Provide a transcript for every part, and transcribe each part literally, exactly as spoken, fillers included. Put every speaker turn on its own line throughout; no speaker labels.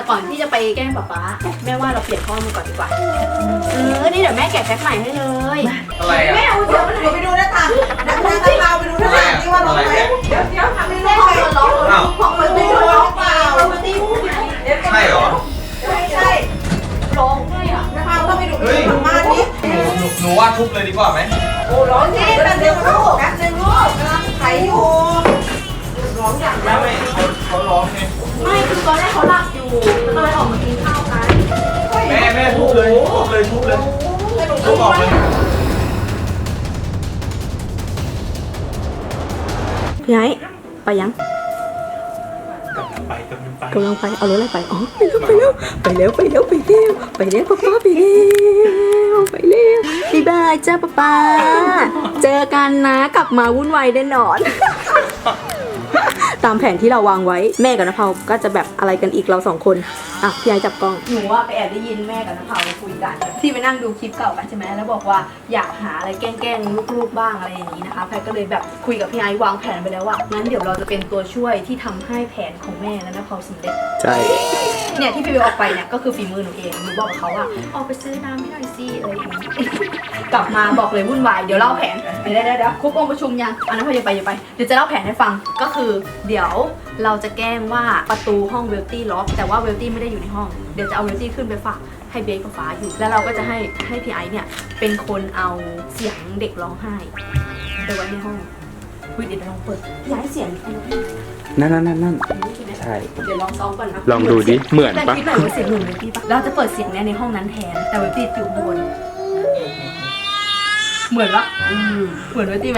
ก่อนที่จะไปแกล้งป๊าป๊าแม่ว่าเราเปลี่ยนข้อมือก่อนดีกว่าเออนี่เดี๋ยวแม่แกะแพ็คใหม่ให้เลย
อะไรอ่ะ
แม่เอาเดี๋ยวมันไปดูหน้าต่างดังนั้นเราไปดูหน้าต่างที่ว่าร้องไหมเดี๋ยวเดี๋ยวทำไม่ได้เลยร้องของมันไม่ร้องเปล่ามันตีพูดไง
ใช่เหรอ
ใช่ใช่ร้องด้วยอ่ะนะคะต้องไปดูดูมาดิ
หนูหนูว่าทุบเลยดีกว่าไหม
โอ้ร้องจริงแป๊บนึงลูกแป๊บนึงลูกกำลังไถอยู่ร้องอย่าง
ไม่ไม่เขาเขาร้องไง
ไม่คือตอนแรกเขาหลับอยู่ก็เลยออกมากินข้าวกัน
แม่แม่ทุบเลยทุบเลยทุบเลยทุบออกเลย
พี่ไอ้ไปยัง
ไปกำลังไป
กำลังไปเอารถอะไรไปอ๋อไปแล้วไปแล้วไปแล้วไปแล้วไปแล้วป๊าป๊าไปแล้วไปแล้วบ๊ายบายจ้าป๊าป๊าเจอกันนะกลับมาวุ่นวายแน่นอนตามแผนที่เราวางไว้แม่กับน้าเผาก็จะแบบอะไรกันอีกเราสองคนอ่ะพี่ไอ้จับกล้องหนูว่าไปแอบได้ยินแม่กับน้าเผาคุยกันที่ไปนั่งดูคลิปเก่ากันใช่ไหมแล้วบอกว่าอยากหาอะไรแกล้งๆลูกๆบ้างอะไรอย่างนี้นะคะแพรก็เลยแบบคุยกับพี่ไอ้วางแผนไปแล้วว่างั้นเดี๋ยวเราจะเป็นตัวช่วยที่ทำให้แผนของแม่และน้าเผาสำเร็จ
ใช่
เนี่ยที่พี่เบลออกไปเนี่ยก็คือฝีมือหนูเองหนูบอกกับเขาว่าออกไปซื้อน้ำให้หน่อยสิอะไรอย่างนี้กลับมาบอกเลยวุ่นวายเดี๋ยวเล่าแผนเดี๋ยวเดี๋ยวเดี๋ยวครบองค์ประชุมยังอันนั้นพออย่าไปอย่าไปเดี๋ยวจะเล่าแผนให้ฟังก็คือเดี๋ยวเราจะแกล้งว่าประตูห้องเวลตี้ล็อกแต่ว่าเวลตี้ไม่ได้อยู่ในห้องเดี๋ยวจะเอาเวลตี้ขึ้นไปฝากให้เบสกับฟ้าอยู่แล้วเราก็จะให้ให้พี่ไอซ์เนี่ยเป็นคนเอาเสียงเด็กร้องไห้ไปไว้ในห้องวิดีโอลองเปิดพี่ไอซ์เสียง
นั่นนั่นนั่นนั่นใช่
เดี๋ยวลองซ้อมก่อนนะ
ลองดูดิเหมือนปะ
แต่คิดหน่อยว่าเสียงหนุ่มเวลตี้ปะเราจะเปิดเสียงเนี่ยในห้องนั้นแทนแต่เวลตี้อยู่บนเหมือนปะเหมือนเวลตี้ไหม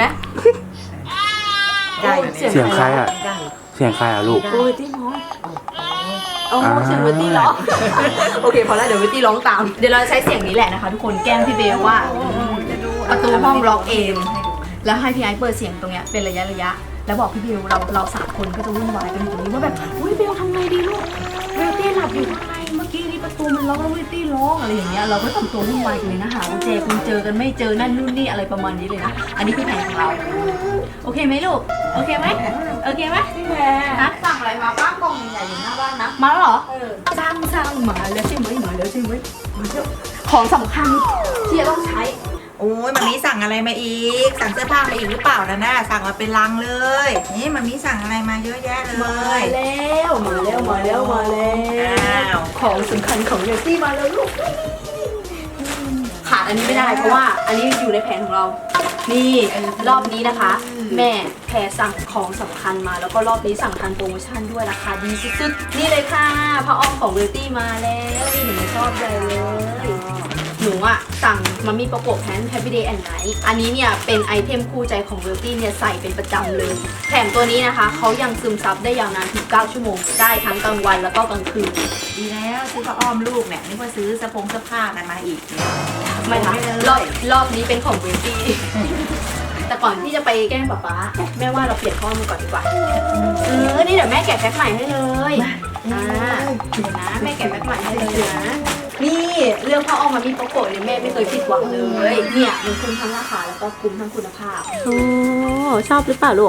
เสียงใครอ่ะเสียงใครอ่ะลูก
เวลตี้ร้องโอ้เสียงเวลตี้ร้องโอเคพอแล้วเดี๋ยวเวลตี้ร้องตามเดี๋ยวเราใช้เสียงนี้แหละนะคะทุกคนแกล้งพี่เบลว่าประตูห้องล็อกเองแล้วให้พี่ไอซ์เปิดเสียงตรงเนี้ยเป็นระยะระยะแล้วบอกพี่เบลเราเราสามคนก็จะวุ่นวายกันอยู่ตรงนี้ว่าแบบอุ้ยเบลทำไงดีลูกเวลตี้หลับอยู่ข้างในเมื่อกี้นี่ประตูมันล็อกแล้วเวลตี้ร้องอะไรอย่างเงี้ยเราก็ทำตัววุ่นวายกันเลยนะหาว่าเจคุณเจอกันไม่เจอนั่นนู่นนี่อะไรประมาณนี้เลยนะอันนี้คือแผนของเราโอเคไหมลูกโอเคไหมโอเคไหมพี่แพรนะสั่งอะไรมาบ้างกล่องใหญ่ๆอยู่หน้าบ้านนะมาแล้วเหรอสั่งสั่งมาแล้วใช่ไหมมาแล้วใช่ไหมของสำคัญที่จะต้องใช้
โอ้ยมันมีสั่งอะไรมาอีกสั่งเสื้อผ้ามาอีกหรือเปล่านะน่าสั่งมาเป็นลังเลยนี่มันมีสั่งอะไรมาเยอะแยะเลย
มาแล้วมาแล้วมาแล้วมาแล้วของสำคัญของเยตี้มาแล้วลูกขาดอันนี้ไม่ได้เพราะว่าอันนี้อยู่ในแผนของเรานี่รอบนี้นะคะแม่แพรสั่งของสำคัญมาแล้วก็รอบนี้สั่งทันโปรโมชั่นด้วยราคาดีสุดๆนี่เลยค่ะผ้าอ้อมของเวลตี้มาแล้วนี่หนูชอบใจเลยหนูอะสั่งมามีประกบแพน Happy Day and Night อันนี้เนี่ยเป็นไอเทมคู่ใจของเวลตี้เนี่ยใส่เป็นประจำเลยแถมตัวนี้นะคะเขายังซึมซับได้ยาวนานถึงเก้าชั่วโมงได้ทั้งกลางวันแล้วก็กลางคืน
ดีแล้วซื้อผ้าอ้อมลูกเนี่ยนึกว่าซื้อสะพงเสื้อผ้ากันมาอีก
ไม่ค่ะรอบรอบนี้เป็นของเวลตี้แต่ก่อนที่จะไปแกล้งป๊าป๊าแม่ว่าเราเปลี่ยนข้อมือก่อนดีกว่าเออนี่เดี๋ยวแม่แกะแพ็คใหม่ให้เลยอ่าเดี๋ยวนะแม่แกะแพ็คใหม่ให้เลยนะนี่เรื่องพ่อออกมามีโปรโกะเนี่ยแม่ไม่เคยผิดหวังเลยเนี่ยมันคุ้มทั้งราคาแล้วก็คุ้มทั้งคุณภาพโอ้ชอบหรือเปล่าลูก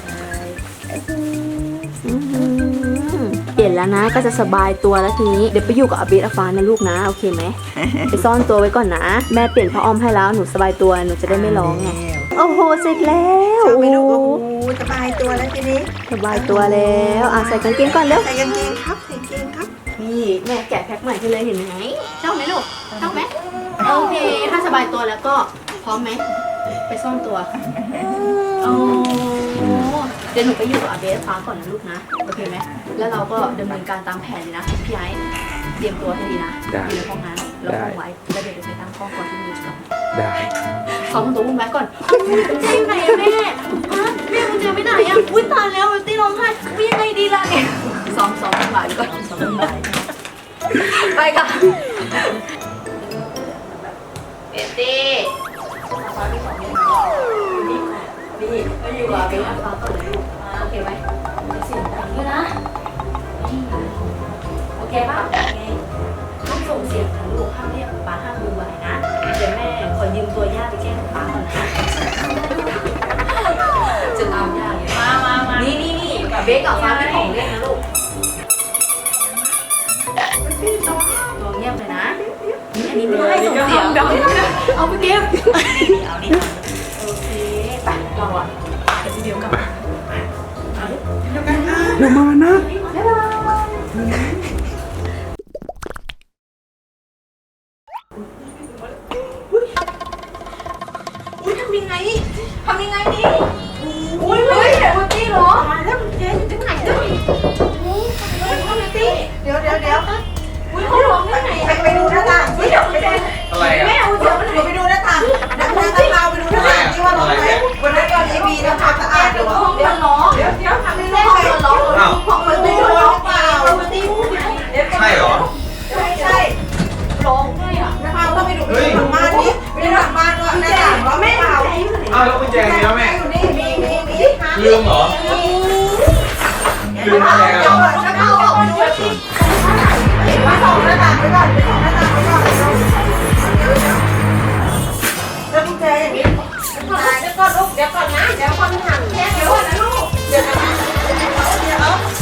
เปลี่ยนแล้วนะก็จะสบายตัวแล้วทีนี้เดี๋ยวไปอยู่กับอาเบสอาฟานะลูกนะโอเคไหมไปซ่อนตัวไว้ก่อนนะแม่เปลี่ยนผ้าอ้อมให้แล้วหนูสบายตัวหนูจะได้ไม่ร้องไงโอ้โหเสร็จแล้ว
โอ้โหสบายตัวแล้วทีนี้
สบายตัวแล้วอ่ะใส่กางเกงก่อนเร็ว
ใส่กางเกงครับใส่กางเกงครับ
นี่แม่แกะแพ็คใหม่ให้เลยเห็นไหมชอบไหมลูกชอบไหมโอเคถ้าสบายตัวแล้วก็พร้อมไหมไปซ่อนตัวโอ้เดี๋ยวหนูไปอยู่กับอาเบสฟ้าก่อนนะลูกนะโอเคไหมแล้วเราก็ดำเนินการตามแผนเลยนะพี่ไอ้เตรียมตัวให้ดีนะอยู่ในห้องนั้นเราห้องไว้แล้วเดี๋ยวจะไปตั้งกล้องก่อนที่มือจะ
ได้
ซ้อมตัววุ่นวายก่อนคุณเจอยู่ไหนอะแม่ฮะแม่คุณเจไม่ไหนอะอุ้ยตายแล้วตีร้องไห้วิ่งยังไงดีล่ะเนี่ยซ้อมซ้อมวุ่นวายก่อนซ้อมวุ่นวายไปค่ะเอตี้ฟ้าที่สองนี่นี่นี่มาอยู่กับเบลฟ้าก่อนเลยลูกโอเคไหมเสียงดังด้วยนะโอเคป่ะโอเคต้องส่งเสียงนะลูกห้ามเรียกป้าห้ามดูไหวนะเดี๋ยวแม่ขอยืมตัวย่าไปแก้ป้าก่อนนะจะตามย่าเลยมามามานี่นี่นี่กับเบสกับฟ้าเป็นของเล่นนะลูกตัวเงียบเลยนะอันนี้ไม่ได้ส่งเสียงเดี๋ยวไม่ได้เอาไปเก็บเอาดิโอเคไปเราอ่ะเดี๋ยวพี่เบลกลับมาเอาดิ
เดี๋ยวมานะ
บ๊ายบายอุ้ยทำยังไงทำยังไงดีอุ้ยเฮ้ยเดี๋ยวมันตีเหรอแล้วมันเจ๊อยู่ที่ไหนเนี่ยอุ้ยทำไมตี
เดี๋ยวเดี๋ยวเดี๋ยว
อุ้ยเขาร้องได้ไง
ไปไปดูหน้าต่างสิเดี๋ยวไปดู
อะไรอ่ะ
แม่เอาเดี๋ยวมัน
ไปดูหน้าต่างนักนักเราไปดูหน้าต่างที่ว่าร้องไหมวันนั้นตอนนี้มีทำความสะอาดอยู่
ห้องเดี๋ยวร้องเดี๋ยวเดี๋ยวทำไม่ได้ห้องมันร้องห้องมันตีร้องเปล่ามันตีพูดไง
ใช่เหรอ
ไม่ใช่
ร้องด้วยอ่ะ
นะคะก็ไปดูไปดูหลังบ้านนี้ไปดูหลังบ้านว่าหน้าต่างร้องเปล่า
อ้าวแล้วกุญแจมีแล้วแม่
อยู่นี่มีมีมี
ลืมเหรอ ลืมกุญแจ
เดี๋
แล้
ยว วก่อนฉันเอาออกมาดูสิมาส่องหน้าต่างไปก่อนไปส่องหน้าต่างไปก่อนแล้วกุญแจอย่างนี้
เดี๋ยวก่อนลูกเดี๋ยวก่อนนะเดี๋ยวคนหันแค่เดี๋ยวนะลูก
เดี๋ยวนะเดี๋ยว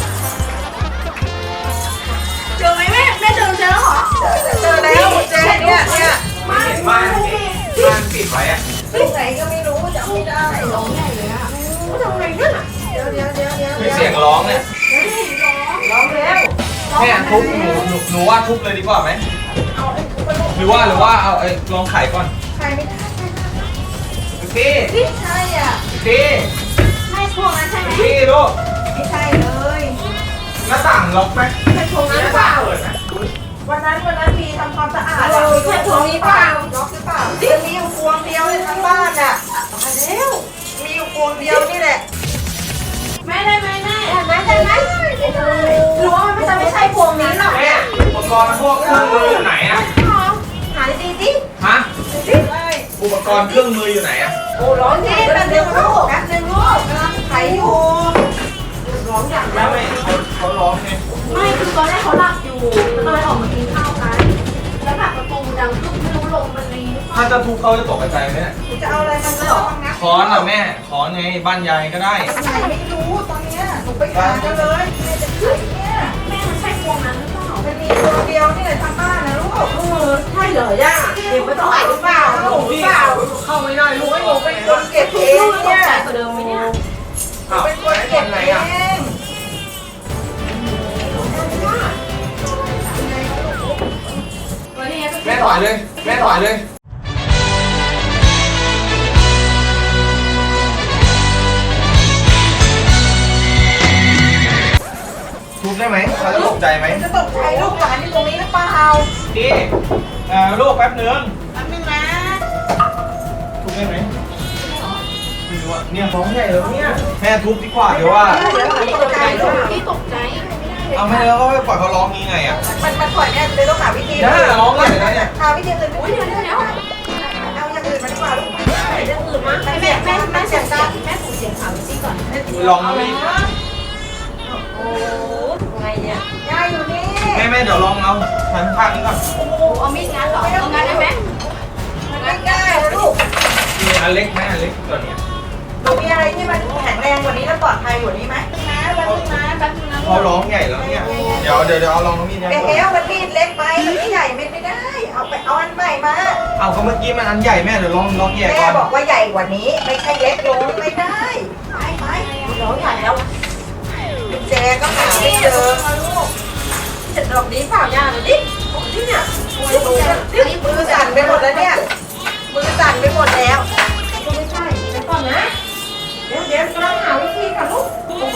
เจอไหมแม่แม่เจอเจอแล้วเหรอ
เจอแล้วกุญแจเนี่ยเนี่ย
ไม่เห็นบ้านบ้านปิดไว้อะ
ที่ไหนก็ไม่รู้จำไม่ได้
ร้องใหญ่เลยอ่ะทำไงเนี่ย
เดี๋ยวเดี๋ยวเดี๋ยวเดี๋ยว
มีเสียงร้องเนี่ย
ร้องแล้ว
แม่ทุบหนูหนูหนูว่าทุบเลยดีกว่าไหม
เอาไอ้ทุกคน
หรือว่าหรือว่าเอาไอ้ลองไขก่อน
ใครไม่ได้
พี่
ไม่ใช่อ่ะ
พี่
ไม่พวกนั้นใช่ไหม
พี่ลูก
ไม่ใช่เลย
หน้าต่างล็อกไหม
ใช่พวงนั้นเปล่า
เปิดไหม
วันนั้นวันนั้นมีทำความสะอาดเราใช่พวงนี้เปล่าล็อกหรือเปล่าจะมีอยู่พวงเดียวในทั้งบ้านอ่ะมาแล้วมีอยู่พวงเดียวนี่แหละ
แม่ได้ไหมแม่ได้ไหมได้ไหมหรือว่ามันจะไม่ใช่พวงนี้หรอก
แม่อุปกรณ์พวกเครื่องมืออยู่ไหนอะ
หาดีดิ
ฮะ
สิ
อุปกรณ์เครื่องมืออยู่ไหนอะ
โอ้ร้องที่แป๊บเดียวลูกแป๊บนึงลูกกำลังไถอยู่ร้องอย่าง
แม่ไม่เขาเขาร้องไง
ไม่คือตอนแรกเขาหลับอยู่ก็เลยออกมากินข้าวกันแล้วแบบประตูดังขึ้นไม่รู้ลมมันรีหรือเปล่า
ถ้าจะทุบเขาจะตกใจไหมเนี่ย
จะเอาอะไรมันก็ร้องนะ
ค้อนอะแม่ค้อนไงบ้านยายก็ได้
ไหนไม่รู้ตอนเนี้ยหนูไปหากันเลยแม่จะขึ้นเนี่ย
แม่มันใช่พวงนั้นหรือเปล่า
มันมีตัวเดียวนี่แหละทางบ้านนะลูก
เออใช่เหรอย่าเดี๋ยวไม่ต้องไหวหรือเปล่า
หนูเปล่า
เข้าไม่ได้ลูก
หนูเป็นคนเก็บเอ
ลู
ง
กต
เนี่
ก
ย
ใจกว่าเดิมไหมเนี่ย
อ้าว
เป็นคนเก็บ
ไหน
เอ
อะ
ง
แม่ถอยเลย แม่ถอยเลย ทุบได้ไหมเขาจะตกใจไหม
จะตกใจลูกหลานที่ตรงนี้หรือเปล่า
พี่เอ่อลูกแป๊บนึง
แป๊บนึงนะ
ทุบได้ไหมไม่รู้อะเนี่ยร้องใหญ่แล้วเนี่ย แม่ทุบดีกว่าเดี๋ยวว่า
เดี๋ยวหลานตกใจลูก
พี่ตกใจ
เอาไม่แล้วก็ไปปล่อยเขาร้องงี้ไงอะ
มันมันปล่อยเนี่ยเลยต้องหาวิธี
ย่าร้องใหญ่แล้วเนี่ย
หาวิธีอื่น
อุ้ยเดี๋ยวเดี๋ยวเดี๋ยว
เอาอย่างอื่นมาดีกว่าลูก
เรื่องอื่นมั้งแม่แม่แม่แม่เสียงดังแม่ผูกเสียงขาวซี่ก่อน
ลองไม่
โอ้ไงเนี่ย
ยายอยู่นี่
แม่แม่เดี๋ยวลองเอาหันข้างนี้ก่อน
โอ้เอามีดงัดเหรอเอางัดได้ไหม
มันไม่ได้นะลูก
มีอันเล็กไหมอันเล็กตัวเนี้ย
หนูมีอะไรที่มันแข็งแรงกว่านี้และปลอดภัยกว่านี้ไหม
นะแป๊บนึงนะแป๊บนึงนะ
เขาร้องใหญ่แล้วเนี่ย เดี๋ยวเดี๋ยวเดี๋ยวเอาลองน้ำมีด
แก
เนี่ย
เฮลมันมีดเล็กไปมันไม่ใหญ่ไม่ได้ เอาไปเอาอันใหม่มา
เอาก็เมื่อกี้มันอันใหญ่แม่เดี๋ยวลองลองแยก
แม่
ก่อน
บอกว่าใหญ่กว่านี้ ไม่ใช่เล็กลงไม่ได้ไปไป
ร้องใหญ่แล้ว
แจก็หาไม่เจอลูกจะดอกนี้เปล่ายาหน่อยดินี่เนี่ยมือสั่นไปหมดแล้วเนี่ยมือสั่นไปหมดแล้วไม่ใช่เดี๋ยวก่อนนะเดี๋ยวเดี๋ยวกำลังหาวิธีค่ะลูก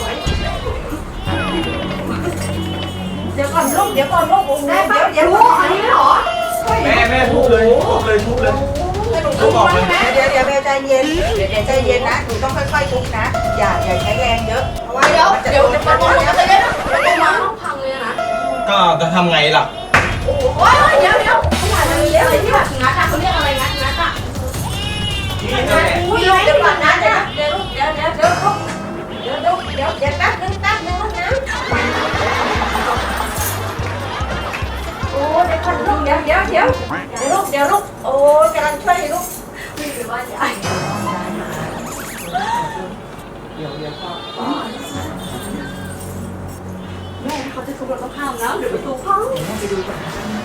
เดี๋ยวก่อนลูกเดี๋ยวก่อนลูกได้ปะเดี๋ยวลูก
อันนี้เหรอ
แม่แม่ทุบเลยทุบเลยทุบเลย
ทุบออกเลยเดี๋ยวเดี๋ยวเดี๋ยวใจเย็นเดี๋ยวใจเย็นนะหนูต้องค่อยๆทุบนะอย่าอย่าใช้แรงเยอะเพราะว่า
เดี๋ยว
มันจะ
เดี๋ยว
โดน
เดี๋ยว
มั
มัน น
จะ
จะเดี๋ยวเดี๋ยวเดี๋ยวมันต้องพังเลยนะ
ก็จะทำไงล่ะ
โอ้ยเดี๋ยวเดี๋ยวขนาดนั้นเลยอะไรที่แบบงัดอะเขาเรียกอะไรงัดงัดอะ
นี่นั่นแหละ
อุ้ย
เดี๋ยว
เดี๋
เดี๋
ย
ยวว
ก่
ก่
อ
อน น
นะ
นะ
เดี๋
เดี๋
ย
ยว วเดี๋ยวเดี๋ยวเดี๋ยวเดี๋ยวเดี๋ยวเดี๋ยวเดี๋ยวเดี๋ยวแป๊บนึงแป๊บนึงนะโอ้เดี๋ยวก่อนลูกเดี๋ยวเดี๋ยวเดี๋ยวเดี๋ยวลูกเดี๋ยวลูกโอ้กำลังช่วยลูก
ไม่รู้ว่าใหญ่
ม
แม่เขาจะทุบเราต้องห้ามนะเดี๋ยวประตูพังไปดูก่อน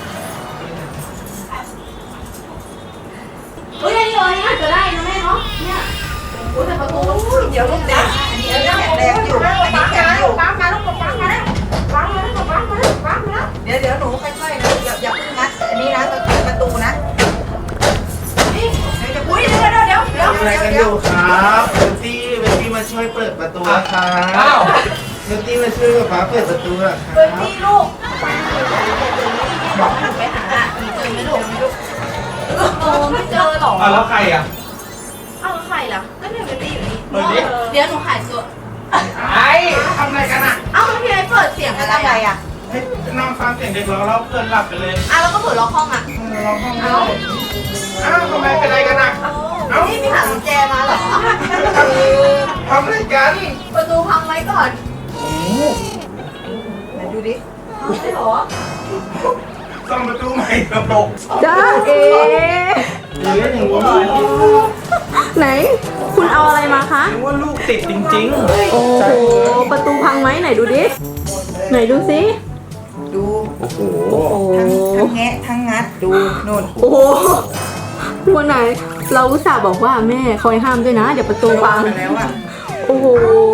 เฮ้ยอันนี้เลยน่าจะได้นะแม่เนาะเนี่ยโอ้แต่ประตูเดี๋ยวลูกเด็ก
เดี๋ยวแข็งแรงอยู่อันนี้แข็งอยู่ปั๊มมาลูกปั๊มมาแล้วปั๊มมาแล้วปั๊มมาแล้วปั๊มมาแล้วเดี๋ยวเดี๋ยวหนูค่อยๆนะอย่าอย่าเพิ่งงัดอันนี้นะประตูนะนี่เดี๋ยวอุ้ยเดี๋ยวเดี๋ยวเดี๋ยวเดี๋ยว
ทำอะไรกันอยู่ครับเบนตี้เบนตี้มาช่วยเปิดประตูครับอ้าวเบนตี้มาช่วยป๊าเปิดประตูอะค
เปิ
รั
ด
บ
ที่ลูก
บอกหนูไปหาหนูเจอไหมลูกไม่รู้โอ้ไม่เจอหรอ
อ่ะแล้วใครอ่ะ
อ้าวแล้วใครล่ะก็เนี่ยเบตตี้อยู่นี่
เปิดดิ
เดี๋ยวหนูหายตัว
ไอ้ทำอะไรกันอ่ะ
อ้าวแล้วพี่ไอ้เปิดเสียง
อะ
อะไร ไร
อ่ะ
อ่ะ
ให้นั่งฟังเสียงเด็กร้องแล้วเพื่อนหลับไปเลย
อ้าวแล้วก็เปิดล็อกห้องอ่ะ
ร้องห้อง
อ้าว
อ้าวทำไมเป็นอะไรกันอ่ะ
เอ้านี่พี่หากุญแจมาเหรอ
ทำอะไรกัน
ประตูพังไว้ก่อน
โอ้โห
ไหนดูดิ
ใช่เหรอ
ซ่อมประตูใหม่กระปก
จ้าเอ
หรืออย่างว่า
ไหน คุณเอาอะไรมาคะ
นึกว่าลูกติดจริงๆ
โอ้โหประตูพังไหมไหนดูดิ ไหนดูสิ
ดู
โอ้โห
โอ้โห
ทั้งแงะทั้งงัดดูนู่น
โอ้โหวันไหน เราอุตส่าห์บอกว่าแม่คอยห้ามด้วยนะ เดี๋ยวประตูพัง
มาแล้วอ่ะ
โอ้โห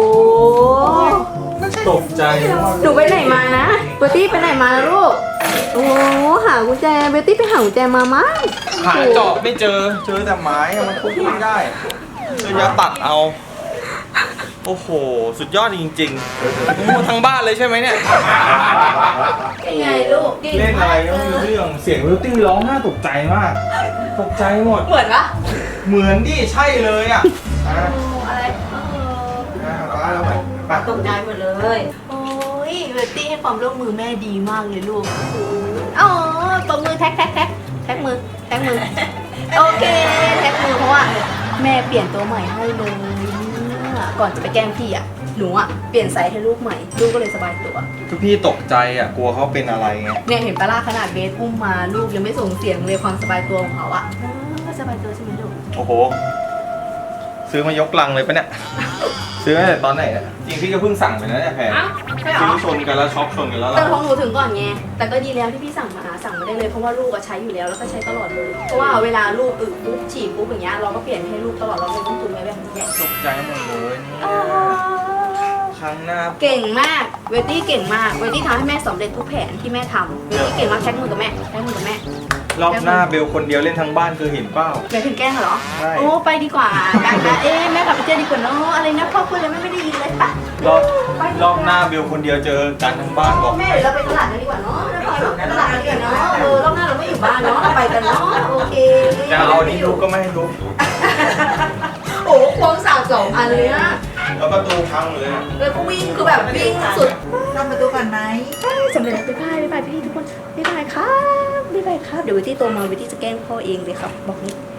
ตกใจว่า
หนูไปไหนมานะเบตตี้ไปไหนมานะลูก โอ้โหหากุญแจเบตตี้ไปหากุญแจมามั้ง
หาเจาะไม่เจอ เจอแต่ไม้อะมันทุบไม่ได้เลยยาตัดเอา โอ้โห สุดยอดจริงๆมูทั้งบ้านเลยใช่ไหมเนี่ย
เป็นไงลูก
เล่นอะไรก็ไม่รู้เรื่อง เสียงวิลตี้ร้องน่าตกใจมาก ตกใจหมด
เหมือนปะ
เหมือนดิใช่เลยอ่ะอ่ะ
โอ้อะไรเออ
อ่ะป้าแล้วไปไป
ตกใจหมดเลย โอ้ยเบตตี้ให้ความร่วมมือแม่ดีมากเลยลูกอ๋อตบมือแท็กแท็กแท็กแท็กมือแท็กมือ โอเคแท็กมือเพราะว่าแม่เปลี่ยนตัวใหม่ให้เลยเนี่ยก่อนจะไปแกล้งพี่อ่ะ หนูอ่ะเปลี่ยนไซส์ให้ลูกใหม่ ลูกก็เลยสบายตัว
ก็พี่ตกใจอ่ะ กลัวเขาเป็นอะไรไง
เนี่ยเห็นปะล่าขนาดเบสอุ้มมาลูกยังไม่ส่งเสียงเลยความสบายตัวของเขาอ่ะก็สบายตัวใช่ไหมลูก
โอ้โห ซื้อมายกลังเลยปะเนี่ย ซื้อมาตั้งแต่ตอนไหนเนี่ยจริงพี่ก็เพิ่งสั่งไปนะเนี่ยแพร
อ้าวใช่เหร
ซื้
อ
อชนกันแล้วช็อปชนกันแล้ว
แต่
ล่ะ
ของหนูถึงก่อนไง แต่ก็ดีแล้วที่พี่สั่งมาสั่งมาได้เลยเพราะว่าลูกอะใช้อยู่แล้วแล้วก็ใช้ตลอดเลย เพราะว่าเวลาลูกอึปุ๊บฉี่ปุ๊บอย่างเงี้ยเราก็เปลี่ยนให้ลูกตลอดเราไม่ต้องตุนไว้แบบนี้
ตกใจหมดเลยเนี่ย
อ่า
ครั้งหน้า
เก่งมาก เวตตี้เก่งมาก เวตตี้ทำให้แม่สำเร็จทุกแผนที่แม่ทำเวตตี้เก่งมากแท็กมือกับแม่แท็กมือกับแม่
รอบหน้าเบลคนเดียวเล่นทั้งบ้านคือเห็นเป้า
เดี๋ยวถึงแกล้งเหรอ
ใช่
โอ้ไปดีกว่ากันนะเอ๊ะแม่กลับไปเจอดีกว่าเนาะอะไรนะพ่อคุยเลยแม่ไม่ได้ยินเลยปะ
รอบรอบหน้าเบลคนเดียวเจอกันทั้งบ้านบอก
แม่เดี๋ยวเราไปตลาดกันดีกว่าเนาะนะพ่อเนาะไปตลาดกันดีกว่าเนาะเออรอบหน้าเราไม่อยู่บ้านเนาะเราไปกันเนาะโอเค
จะเอาอันนี้ลุกก็ไม่ให้ลุก
โอ้ควงสาวสองอันเลยนะ
แล้วประตูพังเลย
แล้วก็วิ่งคือแบบวิ่งสุด
ทำประตูก่อนไหม
สำเร็จแล้วบ๊ายบายบ๊ายบายพี่ทุกคนบ๊ายบายครับบ๊ายบายครับเดี๋ยววิตี้โตมาวิตี้จะแกล้งพ่อเองเลยครับบอกนี้